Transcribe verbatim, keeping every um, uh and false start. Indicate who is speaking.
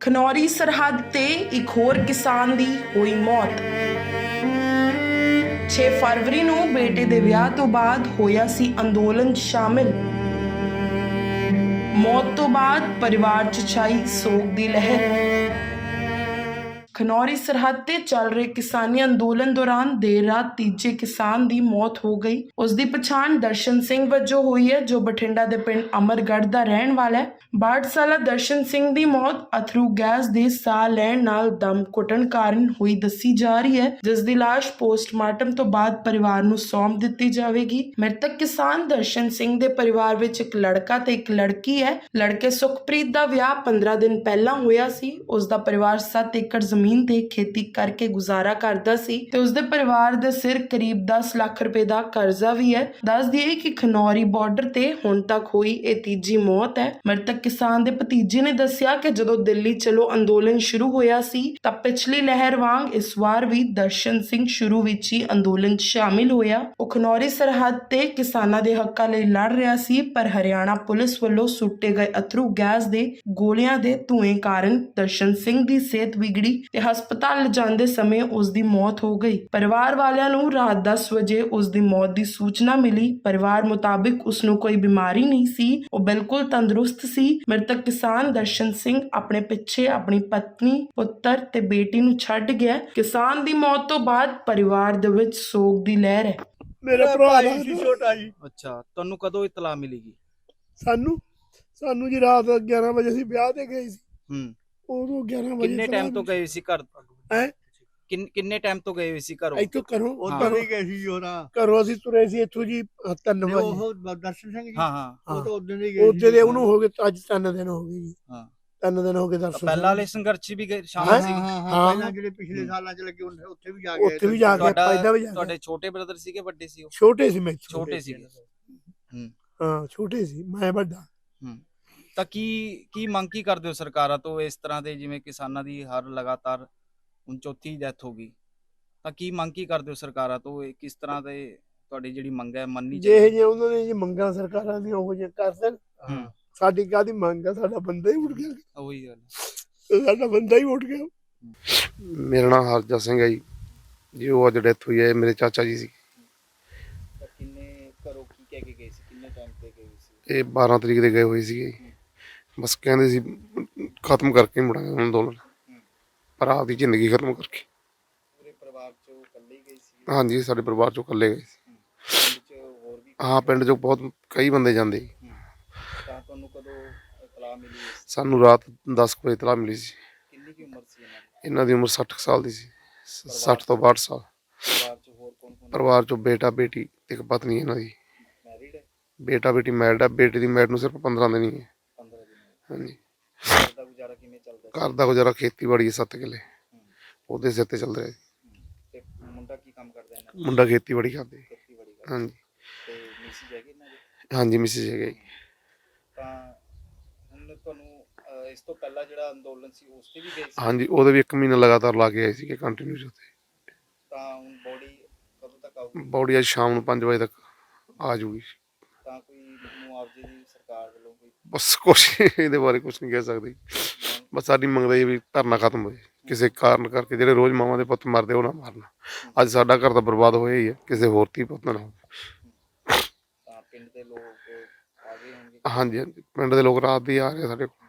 Speaker 1: ਖਨੌਰੀ ਸਰਹੱਦ ਤੇ ਇੱਕ ਹੋਰ ਕਿਸਾਨ ਦੀ ਹੋਈ ਮੌਤ। ਛੇ ਫਰਵਰੀ ਨੂੰ ਬੇਟੇ ਦੇ ਵਿਆਹ ਤੋਂ ਬਾਅਦ ਹੋਇਆ ਸੀ ਅੰਦੋਲਨ ਸ਼ਾਮਿਲ। ਮੌਤ ਤੋਂ ਬਾਅਦ ਪਰਿਵਾਰ 'ਚ ਛਾਈ ਸੋਗ ਦੀ ਲਹਿਰ। ਖਨੌਰੀ ਸਰਹੱਦ ਤੇ ਚੱਲ ਰਹੇ ਕਿਸਾਨੀ ਅੰਦੋਲਨ ਦੌਰਾਨ ਦੇਰ ਰਾਤ ਤੀਜੇ ਕਿਸਾਨ ਦੀ ਮੌਤ ਹੋ ਗਈ। ਉਸ ਦੀ ਪਛਾਣ ਦਰਸ਼ਨ ਸਿੰਘ ਵਜੋਂ ਹੋਈ ਹੈ, ਜੋ ਬਠਿੰਡਾ ਦੇ ਪਿੰਡ ਅਮਰਗੜ੍ਹ ਦਾ ਰਹਿਣ ਵਾਲਾ ਹੈ। ਬਾਹਠ ਸਾਲਾ ਦਰਸ਼ਨ ਸਿੰਘ ਦੀ ਮੌਤ ਅਥਰੂ ਗੈਸ ਦੇ ਸਾਹ ਲੈਣ ਨਾਲ ਦਮ ਘੁੱਟਣ ਕਾਰਨ ਹੋਈ ਦੱਸੀ ਜਾ ਰਹੀ ਹੈ, ਜਿਸ ਦੀ ਲਾਸ਼ ਪੋਸਟਮਾਰਟਮ ਤੋਂ ਬਾਅਦ ਪਰਿਵਾਰ ਨੂੰ ਸੌਂਪ ਦਿੱਤੀ ਜਾਵੇਗੀ। ਮ੍ਰਿਤਕ ਕਿਸਾਨ ਦਰਸ਼ਨ ਸਿੰਘ ਦੇ ਪਰਿਵਾਰ ਵਿੱਚ ਇੱਕ ਲੜਕਾ ਤੇ ਇੱਕ ਲੜਕੀ ਹੈ। ਲੜਕੇ ਸੁਖਪ੍ਰੀਤ ਦਾ ਵਿਆਹ ਪੰਦਰਾਂ ਦਿਨ ਪਹਿਲਾਂ ਹੋਇਆ ਸੀ। ਉਸ ਦਾ ਪਰਿਵਾਰ ਸੱਤ ਏਕੜ ਜ਼ਮੀਨ ਤੇ ਖੇਤੀ ਕਰਕੇ ਗੁਜ਼ਾਰਾ ਕਰਦਾ ਸੀ ਤੇ ਉਸਦੇ ਪਰਿਵਾਰ ਦੇ ਸਿਰ ਕਰੀਬ ਦਸ ਲੱਖ ਰੁਪਏ ਦਾ ਕਰਜ਼ਾ ਵੀ ਹੈ। ਦੱਸ ਦਈਏ ਕਿ ਖਨੌਰੀ ਬਾਰਡਰ ਤੇ ਹੁਣ ਤੱਕ ਹੋਈ ਇਹ ਤੀਜੀ ਮੌਤ ਹੈ। ਮ੍ਰਿਤਕ ਕਿਸਾਨ ਦੇ ਭਤੀਜੇ ਨੇ ਦੱਸਿਆ ਕਿ ਜਦੋਂ ਦਿੱਲੀ ਚਲੋ ਅੰਦੋਲਨ ਸ਼ੁਰੂ ਹੋਇਆ ਸੀ ਤਾਂ ਪਿਛਲੀ ਲਹਿਰ ਵਾਂਗ ਇਸ ਵਾਰ ਵੀ ਦਰਸ਼ਨ ਸਿੰਘ ਸ਼ੁਰੂ ਵਿੱਚ ਹੀ ਅੰਦੋਲਨ 'ਚ ਸ਼ਾਮਿਲ ਹੋਇਆ। ਉਹ ਖਨੌਰੀ ਸਰਹੱਦ ਤੇ ਕਿਸਾਨਾਂ ਦੇ ਹੱਕਾਂ ਲਈ ਲੜ ਰਿਹਾ ਸੀ, ਪਰ ਹਰਿਆਣਾ ਪੁਲਿਸ ਵੱਲੋਂ ਸੁੱਟੇ ਗਏ ਅਥਰੂ ਗੈਸ ਦੇ ਗੋਲੀਆਂ ਦੇ ਧੂਏ ਕਾਰਨ ਦਰਸ਼ਨ ਸਿੰਘ ਦੀ ਸਿਹਤ ਵਿਗੜੀ ਤੇ ਹਸਪਤਾਲ ਲਿਜਾਂਦੇ ਸਮੇਂ ਉਸ ਦੀ ਮੌਤ ਹੋ ਗਈ। ਪਰਿਵਾਰ ਵਾਲਿਆਂ ਨੂੰ ਰਾਤ ਦਸ ਵਜੇ ਉਸ ਦੀ ਮੌਤ ਦੀ ਸੂਚਨਾ ਮਿਲੀ। ਪਰਿਵਾਰ ਮੁਤਾਬਿਕ ਉਸ ਨੂੰ ਕੋਈ ਬਿਮਾਰੀ ਨਹੀਂ ਸੀ, ਉਹ ਬਿਲਕੁਲ ਤੰਦਰੁਸਤ ਸੀ। ਮ੍ਰਿਤਕ ਕਿਸਾਨ ਦਰਸ਼ਨ ਸਿੰਘ ਆਪਣੇ ਪਿੱਛੇ ਆਪਣੀ ਪਤਨੀ, ਪੁੱਤਰ ਤੇ ਬੇਟੀ ਨੂੰ ਛੱਡ ਗਿਆ। ਕਿਸਾਨ ਦੀ ਮੌਤ ਤੋਂ ਬਾਅਦ ਪਰਿਵਾਰ ਦੇ ਵਿੱਚ ਸੋਗ ਦੀ ਲਹਿਰ ਹੈ।
Speaker 2: ਮੇਰਾ ਭਰਾ ਸੀ ਛੋਟਾ ਜੀ।
Speaker 3: ਅੱਛਾ, ਤੁਹਾਨੂੰ ਕਦੋਂ ਇਤਲਾਹ ਮਿਲੇਗੀ?
Speaker 2: ਸਾਨੂੰ ਸਾਨੂੰ ਜੀ ਰਾਤ ਗਿਆਰਾਂ ਵਜੇ ਅਸੀਂ ਵਿਆਹ ਤੇ ਗਏ ਸੀ।
Speaker 3: ਹੂੰ,
Speaker 2: ਉਦੋਂ ਗਿਆਰਾਂ ਵਜੇ
Speaker 3: ਕਿੰਨੇ ਟਾਈਮ ਤੋਂ ਗਏ ਸੀ ਘਰ?
Speaker 2: ਹੈ
Speaker 3: ਕਿੰਨ ਕਿੰਨੇ ਟਾਈਮ ਤੋਂ ਗਏ ਹੋਏ ਸੀ ਘਰੋਂ?
Speaker 2: ਇੱਥੋਂ ਘਰੋਂ
Speaker 4: ਉਧਰ ਵੀ ਗਏ ਸੀ ਜੋਰਾ।
Speaker 2: ਘਰੋਂ ਅਸੀਂ ਤੁਰੇ ਸੀ ਇੱਥੋਂ ਜੀ ਤਿੰਨ ਵਜੇ।
Speaker 4: ਉਹ ਦਰਸ਼ਨ ਸਿੰਘ ਜੀ,
Speaker 3: ਹਾਂ ਹਾਂ
Speaker 4: ਉਹ ਤਾਂ ਉਦੋਂ ਹੀ ਗਏ
Speaker 2: ਉਹਦੇ ਦੇ ਉਹਨੂੰ ਹੋ ਗਏ ਅੱਜ ਤਿੰਨ ਦਿਨ ਹੋ ਗਏ ਜੀ।
Speaker 3: ਹਾਂ,
Speaker 2: ਤਿੰਨ ਦਿਨ ਹੋ ਗਏ
Speaker 3: ਤਾਂ
Speaker 2: ਦਰਸ਼ਨ
Speaker 3: ਪਹਿਲਾਂ ਵਾਲੇ ਸੰਘਰਸ਼ 'ਚ ਵੀ ਗਏ,
Speaker 4: ਹਾਂ
Speaker 3: ਸ਼ਾਮਲ ਸੀ?
Speaker 4: ਹਾਂ ਹਾਂ ਪਹਿਲਾਂ ਜਿਹੜੇ ਪਿਛਲੇ ਸਾਲਾਂ ਚ ਲੱਗੇ ਹੁੰਦੇ ਉੱਥੇ ਵੀ ਜਾ ਕੇ
Speaker 2: ਉੱਥੇ ਵੀ ਜਾ ਕੇ
Speaker 3: ਤੁਹਾਡਾ
Speaker 2: ਪੈਦਾ ਵੀ ਜਾ ਕੇ
Speaker 3: ਤੁਹਾਡੇ ਛੋਟੇ ਬ੍ਰਦਰ ਸੀਗੇ, ਵੱਡੇ ਸੀ ਉਹ?
Speaker 2: ਛੋਟੇ ਸੀ। ਮੈਂ
Speaker 3: ਛੋਟੇ ਸੀਗੇ। ਹੂੰ
Speaker 2: ਹਾਂ ਛੋਟੇ ਸੀ, ਮੈਂ ਵੱਡਾ।
Speaker 3: ਹੂੰ, ਤਾਂ ਕੀ ਕੀ ਮੰਗ ਕੀ ਕਰਦੇ ਹੋ ਸਰਕਾਰਾਂ ਤੋਂ? ਇਸ ਤਰ੍ਹਾਂ ਦੇ ਜਿਵੇਂ ਕਿਸਾਨਾਂ ਦੀ ਹਰ ਲਗਾਤਾਰ ਹੁਣ ਚੌਥੀ ਡੈਥ ਹੋ ਗਈ, ਤਾਂ ਕੀ ਮੰਗ ਕੀ ਕਰਦੇ ਹੋ ਸਰਕਾਰਾਂ ਤੋਂ? ਇਹ ਕਿਸ ਤਰ੍ਹਾਂ ਦੇ ਤੁਹਾਡੀ ਜਿਹੜੀ ਮੰਗ ਹੈ ਮੰਨਣੀ
Speaker 2: ਜੇ
Speaker 3: ਚਾਹੀਦੀ?
Speaker 2: ਜੇ ਉਹਨਾਂ ਨੇ ਜੀ ਮੰਗਾਂ ਸਰਕਾਰਾਂ ਦੀਆਂ ਉਹ ਜੇ ਕਰ ਦੇਣ,
Speaker 3: ਹੂੰ,
Speaker 2: ਸਾਡੀ ਕਾਹਦੀ ਮੰਗ ਆ? ਸਾਡਾ ਬੰਦਾ ਹੀ ਉੱਠ ਗਿਆ,
Speaker 3: ਉਹੀ ਗੱਲ।
Speaker 2: ਸਾਡਾ ਬੰਦਾ ਹੀ ਉੱਠ ਗਿਆ।
Speaker 5: ਮੇਰਾ ਨਾਮ ਹਰਜਾ ਸਿੰਘ ਹੈ ਜੀ। ਜੀ ਉਹ ਅੱਜ ਡੈਥ ਹੋਈ ਹੈ, ਮੇਰੇ ਚਾਚਾ ਜੀ ਸੀ।
Speaker 3: ਤਾਂ ਕਿੰਨੇ ਘਰੋਂ ਕੀ ਕਹਿ ਕੇ ਗਏ ਸੀ? ਕਿੰਨੇ ਟਾਈਮ ਤੇ ਗਏ ਸੀ?
Speaker 5: ਇਹ ਬਾਰਾਂ ਤਰੀਕ ਦੇ ਗਏ ਹੋਏ ਸੀਗੇ। ਬਸ ਕਹਿੰਦੇ ਸੀ ਖਤਮ ਕਰਕੇ ਮੁੜਾਂਗੇ ਅੰਦੋਲਨ, ਪਰ ਆਪਦੀ ਜ਼ਿੰਦਗੀ ਖਤਮ ਕਰਕੇ।
Speaker 3: ਪੂਰੇ ਪਰਿਵਾਰ ਚੋਂ ਇਕੱਲੇ ਹੀ ਗਏ ਸੀ?
Speaker 5: ਹਾਂਜੀ, ਸਾਡੇ ਪਰਿਵਾਰ ਚੋਂ ਇਕੱਲੇ ਗਏ ਸੀ।
Speaker 3: ਪਿੰਡ 'ਚ ਹੋਰ ਵੀ?
Speaker 5: ਹਾਂ, ਪਿੰਡ ਚੋਂ ਬਹੁਤ ਕਈ ਬੰਦੇ ਜਾਂਦੇ ਜੀ।
Speaker 3: ਤਾਂ ਤੁਹਾਨੂੰ ਕਦੋਂ ਇਤਲਾਹ ਮਿਲੀ ਇਸ?
Speaker 5: ਸਾਨੂੰ ਰਾਤ ਦਸ ਕੁ ਵਜੇ ਇਤਲਾਹ ਮਿਲੀ ਸੀ।
Speaker 3: ਕਿੰਨੀ ਕੀ ਉਮਰ ਸੀ ਇਹਨਾਂ ਦੀ?
Speaker 5: ਇਹਨਾਂ ਦੀ ਉਮਰ ਸੱਠ ਕੁ ਸਾਲ ਦੀ ਸੀ, ਸੱਠ ਤੋਂ ਬਾਹਠ ਸਾਲ।
Speaker 3: ਪਰਿਵਾਰ 'ਚ ਹੋਰ ਕੌਣ ਕੌਣ?
Speaker 5: ਪਰਿਵਾਰ ਚੋਂ ਬੇਟਾ, ਬੇਟੀ, ਇੱਕ ਪਤਨੀ ਇਹਨਾਂ ਦੀ।
Speaker 3: ਮੈਰਿਡ ਹੈ?
Speaker 5: ਬੇਟਾ ਬੇਟੀ ਮੈਰਿਡ ਆ। ਬੇਟੀ ਦੀ ਮੈਰਿਡ ਨੂੰ ਸਿਰਫ ਪੰਦਰਾਂ ਦਿਨ ਹੀ ਹੈ।
Speaker 3: ਪੰਦਰਾਂ ਦਿਨ।
Speaker 5: ਹਾਂਜੀ,
Speaker 3: ਘਰ ਦਾ ਗੁਜ਼ਾਰਾ ਕਿਵੇਂ ਚੱਲਦਾ ਸੀ?
Speaker 5: ਘਰ ਦਾ ਗੁਜ਼ਾਰਾ ਖੇਤੀਬਾੜੀ ਹੈ, ਸੱਤ ਕਿੱਲੇ ਉਹਦੇ ਸਿਰ ਤੇ ਚੱਲ ਰਿਹਾ ਜੀ।
Speaker 3: ਤੇ ਮੁੰਡਾ ਕੀ ਕੰਮ ਕਰਦਾ ਇਹਨਾਂ ਦਾ?
Speaker 5: ਮੁੰਡਾ ਖੇਤੀਬਾੜੀ ਕਰਦੇ।
Speaker 3: ਖੇਤੀਬਾੜੀ ਕਰਦਾ।
Speaker 5: ਹਾਂਜੀ
Speaker 3: ਤੇ ਮਿਸਿਸ ਹੈਗੀ ਇਹਨਾਂ ਦੀ?
Speaker 5: ਹਾਂਜੀ, ਮਿਸਿਸ ਹੈਗਾ ਜੀ।
Speaker 3: ਤਾਂ ਹੁਣ ਤੁਹਾਨੂੰ ਅਹ, ਇਸ ਤੋਂ ਪਹਿਲਾਂ ਜਿਹੜਾ ਅੰਦੋਲਨ ਸੀ ਉਸ ਤੇ ਵੀ ਗਏ ਸੀ?
Speaker 5: ਹਾਂਜੀ, ਉਹਦੇ ਵੀ ਇੱਕ ਮਹੀਨਾ ਲਗਾਤਾਰ ਲਾ ਕੇ ਆਏ ਸੀਗੇ ਕੰਟੀਨਿਊ ਉੱਥੇ।
Speaker 3: ਤਾਂ ਹੁਣ ਬੋਡੀ ਕਦੋਂ ਤੱਕ ਆਊਗੀ?
Speaker 5: ਬੌਡੀ ਅੱਜ ਸ਼ਾਮ ਨੂੰ ਪੰਜ ਵਜੇ ਤੱਕ ਆ ਜੂਗੀ।
Speaker 3: ਤਾਂ ਕੋਈ ਮੁਆਵਜ਼ੇ ਦੀ ਸਰਕਾਰ ਵੱਲੋਂ ਕੋਈ
Speaker 5: ਬਸ ਕੁਛ ਇਹਦੇ ਬਾਰੇ ਕੁਛ ਨਹੀਂ ਕਹਿ ਸਕਦੇ। ਬਸ ਸਾਡੀ ਮੰਗਦਾ ਇਹ ਵੀ ਧਰਨਾ ਖਤਮ ਹੋਏ, ਕਿਸੇ ਕਾਰਨ ਕਰਕੇ ਜਿਹੜੇ ਰੋਜ਼ ਮਾਵਾਂ ਦੇ ਪੁੱਤ ਮਰਦੇ ਉਹ ਨਾ ਮਾਰਨਾ। ਅੱਜ ਸਾਡਾ ਘਰ ਤਾਂ ਬਰਬਾਦ ਹੋਇਆ ਹੀ ਹੈ, ਕਿਸੇ ਹੋਰ ਧੀ ਪੁੱਤ ਨਾ ਹੋਵੇ।
Speaker 3: ਤਾਂ ਪਿੰਡ ਦੇ ਲੋਕ ਆ ਗਏ ਹੋਣਗੇ?
Speaker 5: ਹਾਂਜੀ ਹਾਂਜੀ, ਪਿੰਡ ਦੇ ਲੋਕ ਰਾਤ ਦੀ ਆ ਰਹੇ ਸਾਡੇ ਕੋਲ।